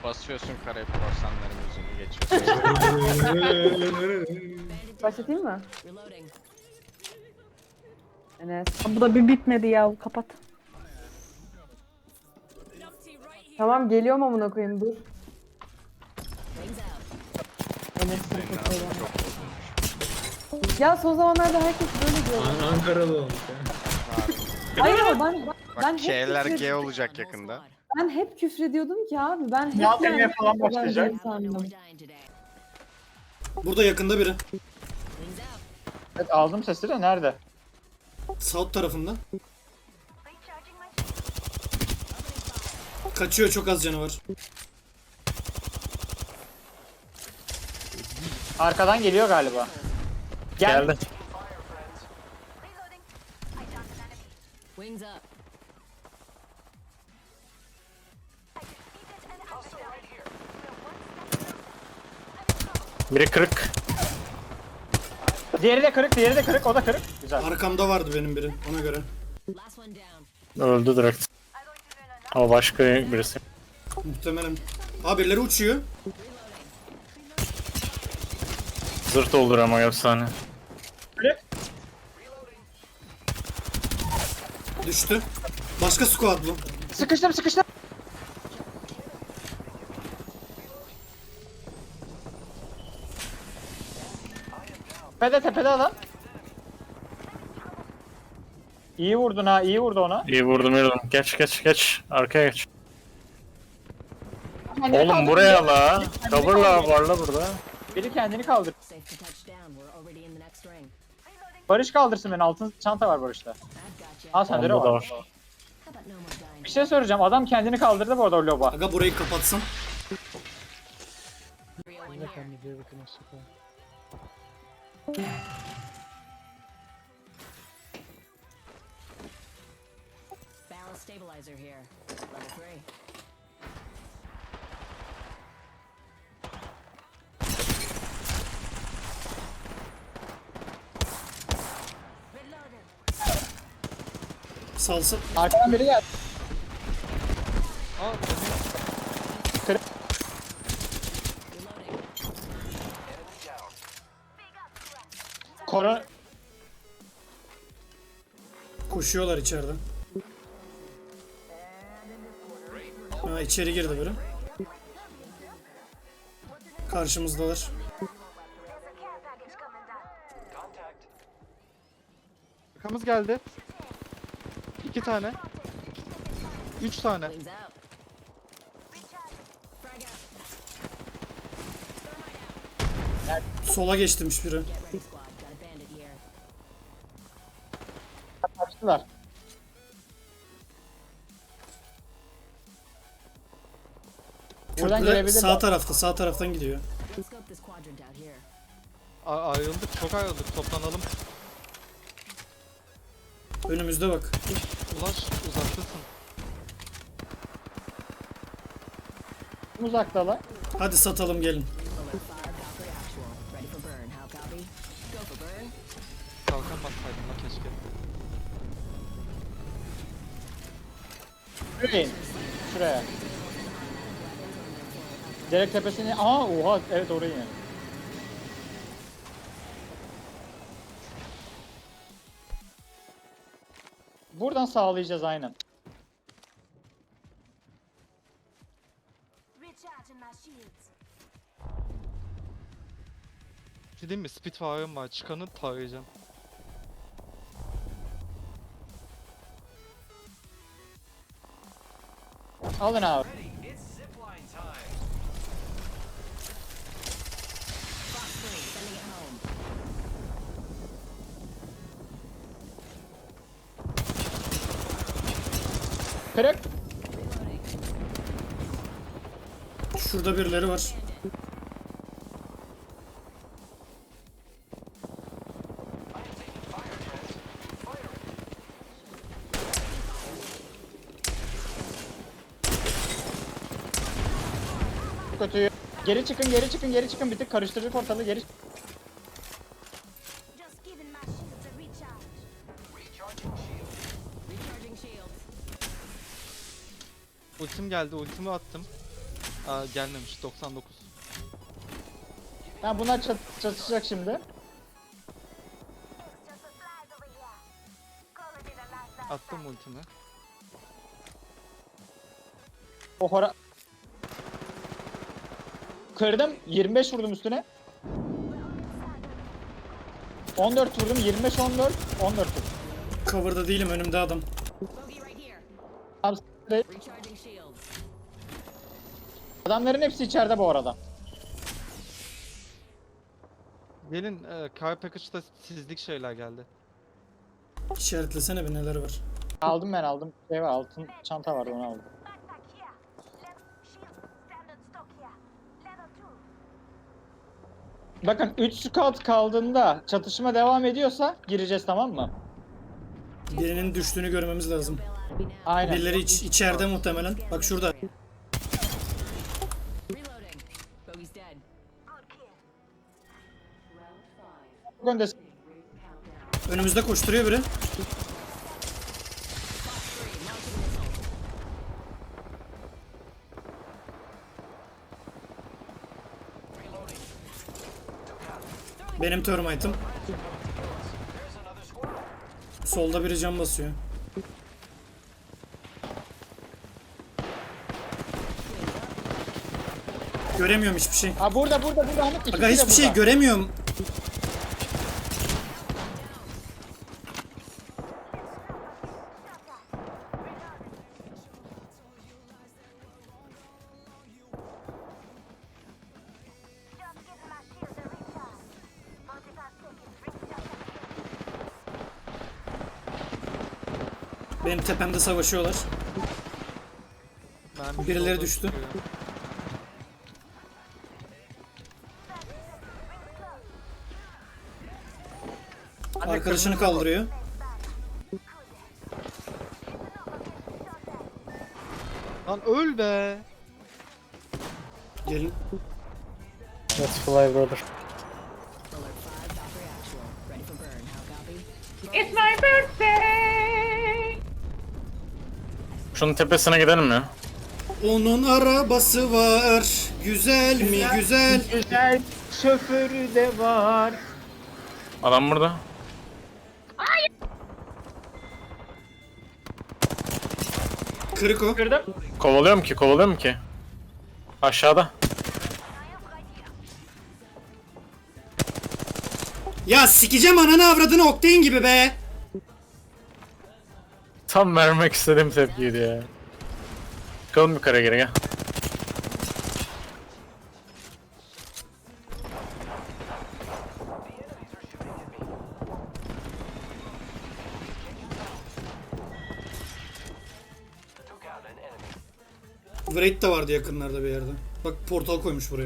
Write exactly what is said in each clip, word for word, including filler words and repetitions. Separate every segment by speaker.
Speaker 1: Basıyorsun Karayip korsanların yüzünü geçiyorsun.
Speaker 2: Başlatayım mı? Enes. Bu da bir bitmedi ya. Kapat. Tamam geliyorum amına koyayım dur. Enes sırf ya son zamanlarda herkes böyle diyor.
Speaker 3: An Ankaralı olmuş ya.
Speaker 2: Hayır ama ben
Speaker 1: Bak
Speaker 2: ben hep
Speaker 1: K'ler
Speaker 2: küfür,
Speaker 1: G olacak yakında.
Speaker 2: ben hep küfrediyordum ki abi. Ben hep
Speaker 4: Ya
Speaker 2: yani
Speaker 4: demeye falan
Speaker 2: ben
Speaker 4: başlayacak.
Speaker 2: değilim sandım.
Speaker 3: Burada yakında biri.
Speaker 4: Evet aldım sesi de nerede?
Speaker 3: South tarafında. Kaçıyor, çok az canı var.
Speaker 4: Arkadan geliyor galiba. Gel.
Speaker 5: Geldi.
Speaker 6: Wings up.
Speaker 5: Biri kırık.
Speaker 4: Diğeri de kırık, diğeri de kırık, o da kırık. Güzel.
Speaker 3: Arkamda vardı benim biri, ona göre.
Speaker 6: Last one down.
Speaker 5: Öldü direkt. Ama başka birisi.
Speaker 3: Muhtemelen. Aa, birileri uçuyor.
Speaker 5: Zırt doldur ama efsane.
Speaker 4: Kırık.
Speaker 3: Düştü. Başka squad bu.
Speaker 4: Sıkıştım, sıkıştım. Tepede, tepede adam. İyi vurdun ha, iyi vurdu ona.
Speaker 5: İyi vurdum vurdum. Geç geç geç. Arkaya geç.
Speaker 4: Kendini
Speaker 5: Oğlum
Speaker 4: kaldır.
Speaker 5: buraya la. Coverla var la burada.
Speaker 4: Biri kendini kaldır.
Speaker 6: Safe to touch down. We're already in the next ring.
Speaker 4: Barış kaldırsın beni, altın çanta var Barış'ta.
Speaker 6: I've got you.
Speaker 4: Al sende de
Speaker 5: Onda da
Speaker 4: var.
Speaker 5: var.
Speaker 6: How about no more dying?
Speaker 4: Bir şey soracağım, adam kendini kaldırdı bu arada o loba.
Speaker 3: Aga burayı kapatsam.
Speaker 6: Rio in here. Barrel stabilizer here. Level three.
Speaker 3: Salsa.
Speaker 4: Arkadan biri geldi.
Speaker 6: Reloading.
Speaker 4: Koru...
Speaker 3: Koşuyorlar içeriden. Ha, içeri girdi biri. Karşımızdalar.
Speaker 7: Arkamız geldi. İki tane. Üç tane.
Speaker 6: Wings out. Frag out.
Speaker 3: Sola geçtirmiş biri.
Speaker 6: Get ready, squad. Got a bandit here.
Speaker 4: Kaçtılar. Buradan
Speaker 3: Köprüde
Speaker 4: gelebilir.
Speaker 3: sağ tarafta, sağ taraftan gidiyor.
Speaker 6: Scope this quadrant out here.
Speaker 7: A- ayrıldık, çok ayrıldık. Toplanalım.
Speaker 3: Önümüzde bak.
Speaker 7: Ulaş, uzaktasın.
Speaker 4: Uzaktalar.
Speaker 3: Hadi satalım gelin.
Speaker 6: Alert fire, Valkyrie actual. Ready for burn. How copy? Go for burn.
Speaker 7: Kalkan bassaydım la keşke.
Speaker 4: Şuraya in. Şuraya. Direkt tepesine... Aa oha evet oraya in. Buradan sağlayacağız aynen.
Speaker 8: Recharging my shields.
Speaker 7: Bir şey diyeyim mi? Spitfire'ım var. Çıkanı tarayacağım.
Speaker 4: Alın abi.
Speaker 6: Fox three, sending it home.
Speaker 4: Kırık.
Speaker 3: Şurada birileri var.
Speaker 4: Kötü. Geri çıkın, geri çıkın, geri çıkın. Bir tık karıştırdık ortalığı. Geri.
Speaker 8: Just giving my shields a recharge.
Speaker 6: Recharging shields.
Speaker 7: Ultim geldi, ultimi attım. Aa, gelmemiş doksan dokuz.
Speaker 4: Ha bunlar çat çatışacak şimdi.
Speaker 7: Attım ultimi.
Speaker 4: O hora... Kırdım. yirmi beş vurdum üstüne. on dört vurdum. yirmi beş on dört. on dört vurdum.
Speaker 3: Cover'da değilim, önümde adam.
Speaker 6: Bogey right here.
Speaker 4: Tam s**t.
Speaker 6: Recharging shields.
Speaker 4: Adamların hepsi içeride bu arada.
Speaker 7: Gelin e, Car Package'da sizlik şeyler geldi.
Speaker 3: İşaretlesene bir neler var.
Speaker 4: Aldım ben aldım. Şey var, altın çanta vardı onu aldım.
Speaker 8: Backpack here. Left shield. Standard stock here. Level two.
Speaker 4: Bakın üç scout kaldığında çatışma devam ediyorsa gireceğiz, tamam mı?
Speaker 3: Birinin düştüğünü görmemiz lazım.
Speaker 4: Aynen.
Speaker 3: Birileri iç, içeride muhtemelen. Bak şurada.
Speaker 6: Reloading. Bogey's dead.
Speaker 8: Good kill.
Speaker 4: Önde
Speaker 3: Önümüzde koşturuyor biri. Benim termite'ım. Solda biri cam basıyor. Göremiyorum hiçbir şey.
Speaker 4: Ha burada burada burada Hamit. ikisi
Speaker 3: Aga
Speaker 4: de
Speaker 3: hiçbir şey
Speaker 4: burada.
Speaker 3: göremiyorum.
Speaker 8: Just giving my shield a recharge. forty-five seconds. Recharge.
Speaker 3: Benim tepemde savaşıyorlar.
Speaker 7: Ben
Speaker 3: Birileri
Speaker 7: solda
Speaker 3: düştü.
Speaker 7: tutuyor.
Speaker 3: Arkadaşını kaldırıyor.
Speaker 7: Lan öl be.
Speaker 3: Gelin.
Speaker 5: Let's fly brother.
Speaker 6: Alert five, Valkyrie actual. Ready for burn. How copy?
Speaker 5: Şunun tepesine gidelim ya.
Speaker 3: Onun arabası var. Güzel mi güzel.
Speaker 4: Güzel şoförü de var.
Speaker 5: Adam burada.
Speaker 3: Kırık o.
Speaker 4: Kırdım.
Speaker 5: Kovalıyorum ki, kovalıyorum ki. Aşağıda.
Speaker 3: Ya sikeceğim ananı avradını Octane gibi be.
Speaker 5: Tam vermek istediğim tepkiydi ya. Çıkalım yukarı geri gel.
Speaker 3: Wraith de vardı yakınlarda bir yerde. Bak portal koymuş buraya.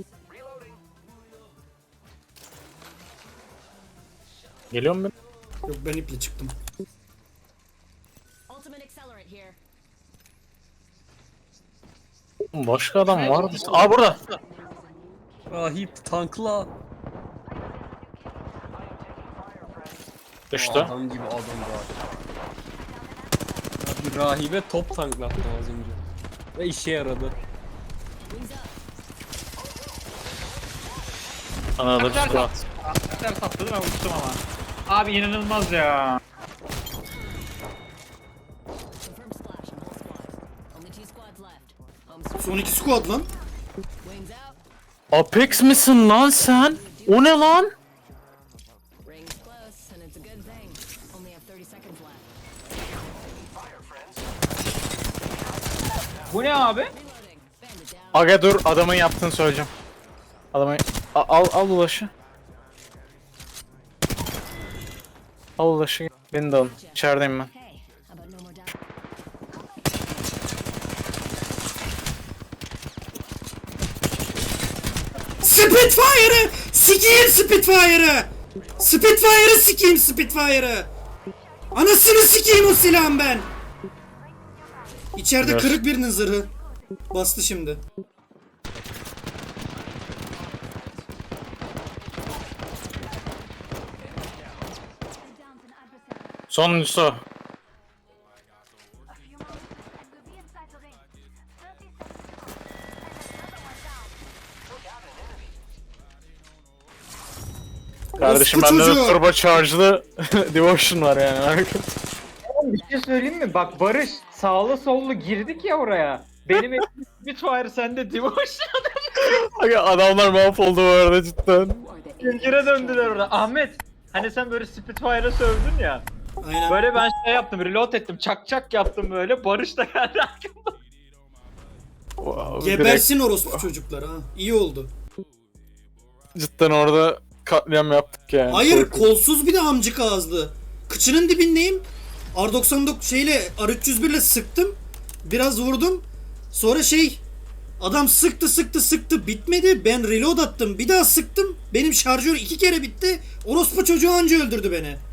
Speaker 5: Geliyor mu ben?
Speaker 3: Yok ben iple çıktım.
Speaker 6: Ultimate accelerant here.
Speaker 5: Başka adam vardı. Aa burada.
Speaker 9: Rahip tankla.
Speaker 5: Düştü.
Speaker 9: Adam gibi adam rahip. Abi rahibe top tanklattım az önce. Ve işe yaradı.
Speaker 6: Wings up.
Speaker 5: Ana da squat.
Speaker 10: Arkadaşlar sapladı ben uçtum ama. Abi inanılmaz ya.
Speaker 6: Confirm splash on all squads. Only two squads left. Home stretch.
Speaker 3: Son iki squad lan.
Speaker 6: Wings out.
Speaker 5: Apex misin lan sen? O ne lan?
Speaker 6: Rings close, and it's a good thing. Only have thirty seconds left.
Speaker 10: Bu ne abi?
Speaker 6: Reloading. Bandit down.
Speaker 5: Aga dur, adamın yaptığını söyleyeceğim. Adamın... A- al al ulaşı. Al ulaşı. Beni de alın. İçerideyim ben.
Speaker 6: Hey, how about no more down?
Speaker 3: Spitfire'ı! Sikeyim Spitfire'ı! Spitfire'ı sikeyim Spitfire'ı! Anasını sikeyim o silahın ben! İçeride
Speaker 5: Biraz.
Speaker 3: kırık birinin zırhı. Bastı şimdi.
Speaker 5: Sonuncusu.
Speaker 8: A few moments and we'll be inside the ring. thirty seconds.
Speaker 5: Kardeşim
Speaker 3: Orospu
Speaker 5: bende de
Speaker 3: çocuğu.
Speaker 5: turbo charge'lı Devotion var yani.
Speaker 4: Bir şey söyleyeyim mi? Bak Barış sağlı sollu girdik ya oraya. Benim elim Spitfire sende Devotion.
Speaker 5: Aga adamlar mahvoldu bu arada cidden.
Speaker 6: Who are the
Speaker 4: Zincire döndüler orada. Ahmet. Hani sen böyle Spitfire'a sövdün ya.
Speaker 3: Aynen.
Speaker 4: Böyle ben şey yaptım, reload ettim, çak çak yaptım böyle. Barış da geldi arkamda.
Speaker 5: Wow, direkt
Speaker 3: Gebersin orospu çocuklar ha. İyi oldu.
Speaker 5: cidden orada katliam yaptık yani.
Speaker 3: Hayır
Speaker 5: Korkunç.
Speaker 3: kolsuz bir de amcık ağızlı. Kıçının dibindeyim. R doksan dokuz şeyle R üç yüz bir ile sıktım. Biraz vurdum. Sonra şey adam sıktı sıktı sıktı bitmedi. Ben reload attım. Bir daha sıktım. Benim şarjör iki kere bitti. Orospu çocuğu anca öldürdü beni.